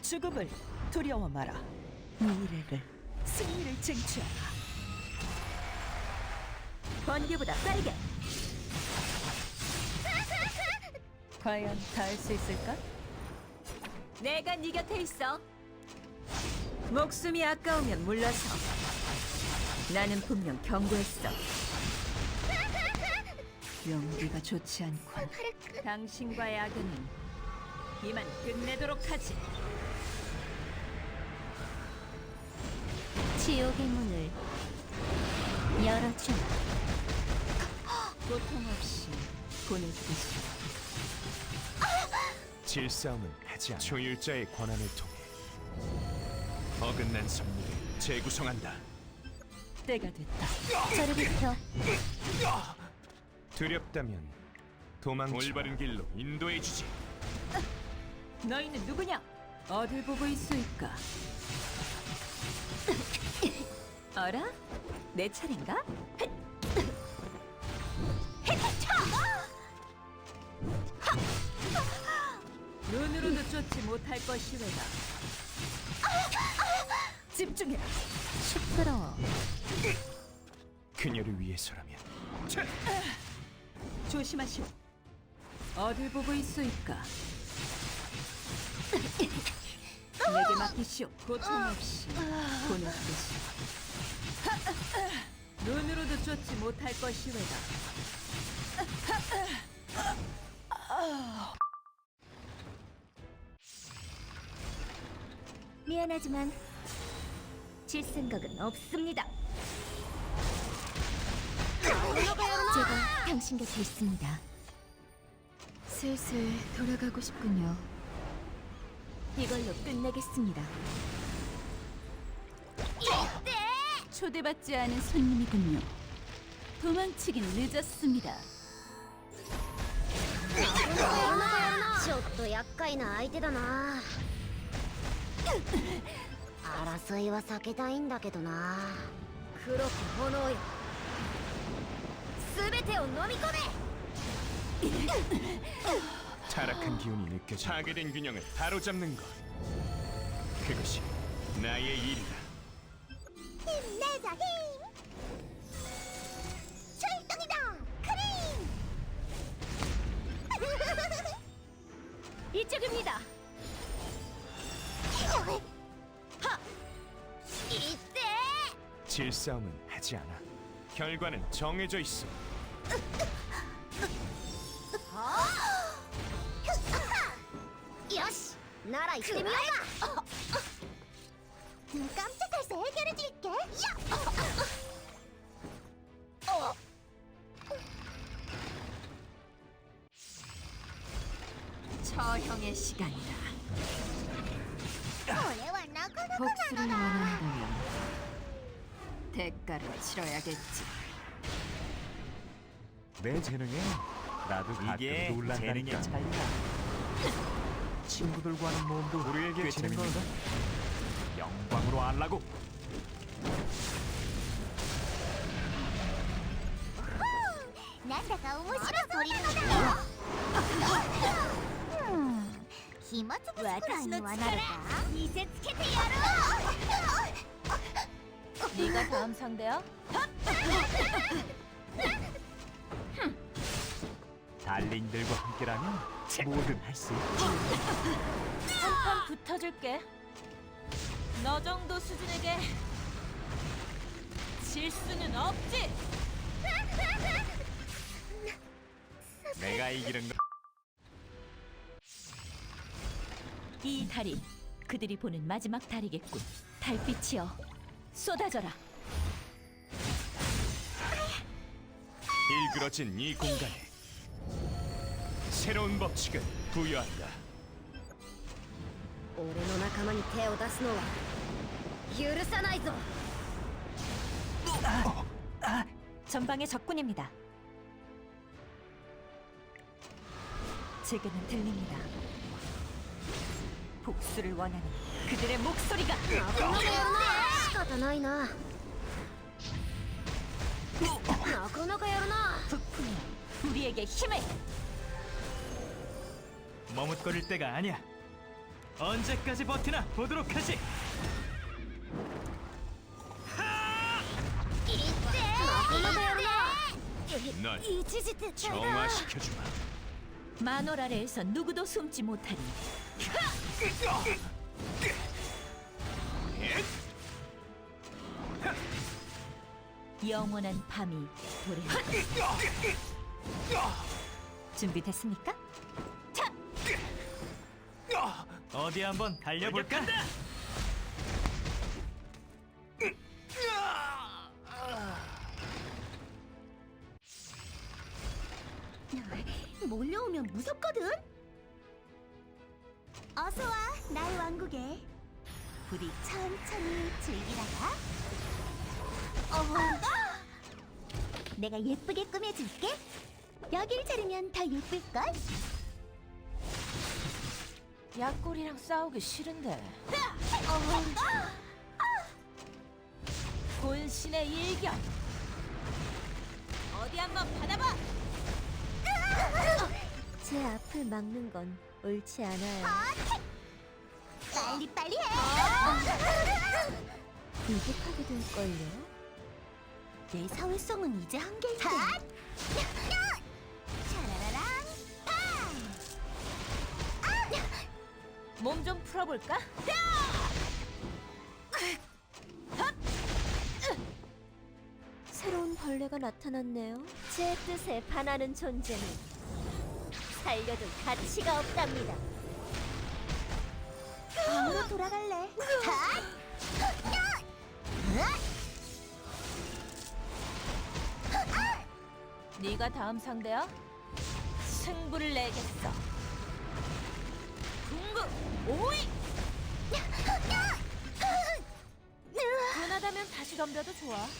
죽음을 두려워 마라. 미래를, 승리를 쟁취하라. 번개보다 빠르게. 과연 닿을 수 있을까? 내가 네 곁에 있어. 목숨이 아까우면 물러서. 나는 분명 경고했어. 용기가 좋지 않군. 당신과의 악연은 이만 끝내도록 하지. 지옥의 문을 열어주마. 고통 없이 보내주겠소. 질싸움은 하지 않아. 초율자의 권한을 통해 어긋난 선물을 재구성한다. 때가 됐다. 저를 비켜. 두렵다면 도망쳐. 올바른 길로 인도해주지. 너희는 누구냐? 어딜 보고 있을까? 어라? 내 차례인가? 눈으로도 쫓지 못할 것이외다. 집중해라. 시끄러워. 그녀를 위해서라면. 조심하시오. 어딜 보고 있을까? 내게 맡기시오. 고통 없이 보내주겠소. 눈으로도 쫓지 못할 것이외다. 미안하지만 질 생각은 없습니다. 제가 당신 곁에 있습니다. 슬슬 돌아가고 싶군요. 이걸로 끝내겠습니다. 초대받지 않은 손님이군요. 도망치긴 늦었습니다. ちょっと厄介な相手だな。争いは避けたいんだけどな。黒き炎よ、すべてを飲み込め。 타락한 기운이 느껴져. 파괴된 균형을 바로잡는 것. 그것이 나의 일이다. 힘내자 힘. 출동이다. 크림. 이쪽입니다. 이때. 질싸움은 하지 않아. 결과는 정해져 있어. よし、なら行ってみようか。깜짝할새 해결해줄게. 처형의 시간이다. 복수를 원한다면 대가를 치러야겠지. 내 재능에 나도 이게 가끔 놀란다니까. 재능의 차이다. 친구들과 하는 모험도 우리에게 꽤 재능은 재밌는데 영광으로 알라고. 난다가面白そうだ。暇つぶしくらいにはなるか。見せつけてやろう。 네가 다음 상대야? 달링들과 함께라면 뭐든 할 수 있지. 한판 붙어줄게. 너 정도 수준에게 질 수는 없지. 내가 이기는 거. 이 달이 그들이 보는 마지막 달이겠군. 달빛이여, 쏟아져라. 일그러진 이 공간에 새로운 법칙을 부여한다. 俺の仲間に手を出すのは許さないぞ。 전방의 적군입니다. 제게는 들립니다. 복수를 원하는 그들의 목소리가. 仕方ないな。なかなかやるな。 부품이 우리에게 힘을. 머뭇거릴 때가 아니야. 언제까지 버티나 보도록 하지. 널 이지지트 정화시켜주마. 만월 아래에서 누구도 숨지 못하리. 영원한 밤이 도래한다. 준비됐습니까? 어디 한번 달려볼까? 몰려오면 무섭거든. 어서 와, 나의 왕국에. 우리 천천히 즐기다가. 내가 예쁘게 꾸며줄게. 여길 자르면 더 예쁠걸? 약골이랑 싸우기 싫은데. 본신의 일격. 어디 한번 받아봐. 제 앞을 막는 건 옳지 않아요. 빨리 해. 이득하게 될걸요. 내 사회성은 이제 한계인데. 샤라라랑 몸 좀 풀어볼까? 새로운 벌레가 나타났네요. 제 뜻에 반하는 존재는 살려도 가치가 없답니다. 방으로 돌아갈래. 네가 다음 상대야? 승부를 내겠어. 궁극 오이. 분하다면 다시 덤벼도 좋아.